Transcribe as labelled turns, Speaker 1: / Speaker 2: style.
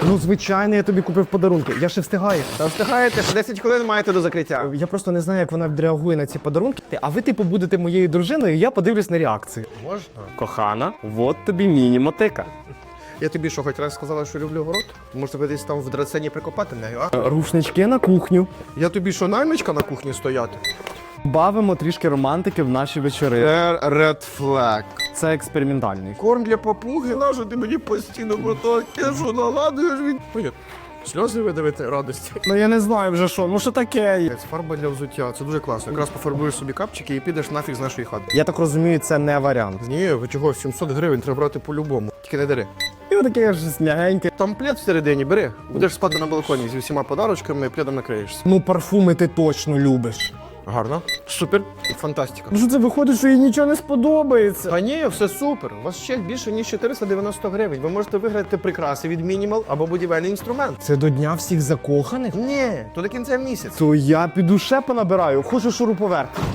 Speaker 1: Ну, звичайно, я тобі купив подарунки. Я ще встигаю.
Speaker 2: Та встигаєте, ще 10 хвилин маєте до закриття.
Speaker 1: Я просто не знаю, як вона відреагує на ці подарунки. А ви, типу, будете моєю дружиною, і я подивлюсь на реакцію.
Speaker 2: Можна?
Speaker 3: Кохана, от тобі міні-мотика.
Speaker 2: Я тобі що, хоч раз сказала, що люблю город? Може, ви десь там в драцені прикопати нею, а?
Speaker 1: Рушнички на кухню.
Speaker 2: Я тобі що, наймичка на кухні стояти?
Speaker 1: Бавимо трішки романтики в наші вечори.
Speaker 2: Red flag.
Speaker 1: Це експериментальний.
Speaker 2: Корм для папуги, нащо ти мені постійно про то? Я що, наладуєш від... Ой, сльози видавити радості.
Speaker 1: Ну я не знаю вже що, ну що таке?
Speaker 2: Це фарба для взуття, це дуже класно. Якраз пофарбуєш собі капчики і підеш нафіг з нашої хати.
Speaker 1: Я так розумію, це не варіант.
Speaker 2: Ні, ви чого, 700 гривень треба брати по-любому. Тільки не дари.
Speaker 1: І таке ж м'ягеньке.
Speaker 2: Там плед всередині, бери. Будеш спати на балконі зі всіма подарочками, пледом накриєшся.
Speaker 1: Ну парфуми ти точно любиш.
Speaker 2: Гарно. Супер. Фантастика.
Speaker 1: Ну що це виходить, що їй нічого не сподобається?
Speaker 2: Та ні, все супер. У вас ще більше, ніж 490 гривень. Ви можете виграти прикраси від Minimal або будівельний інструмент.
Speaker 1: Це до дня всіх закоханих?
Speaker 2: Ні, то до кінця місяця.
Speaker 1: То я піду ще понабираю, хочу шуруповерт.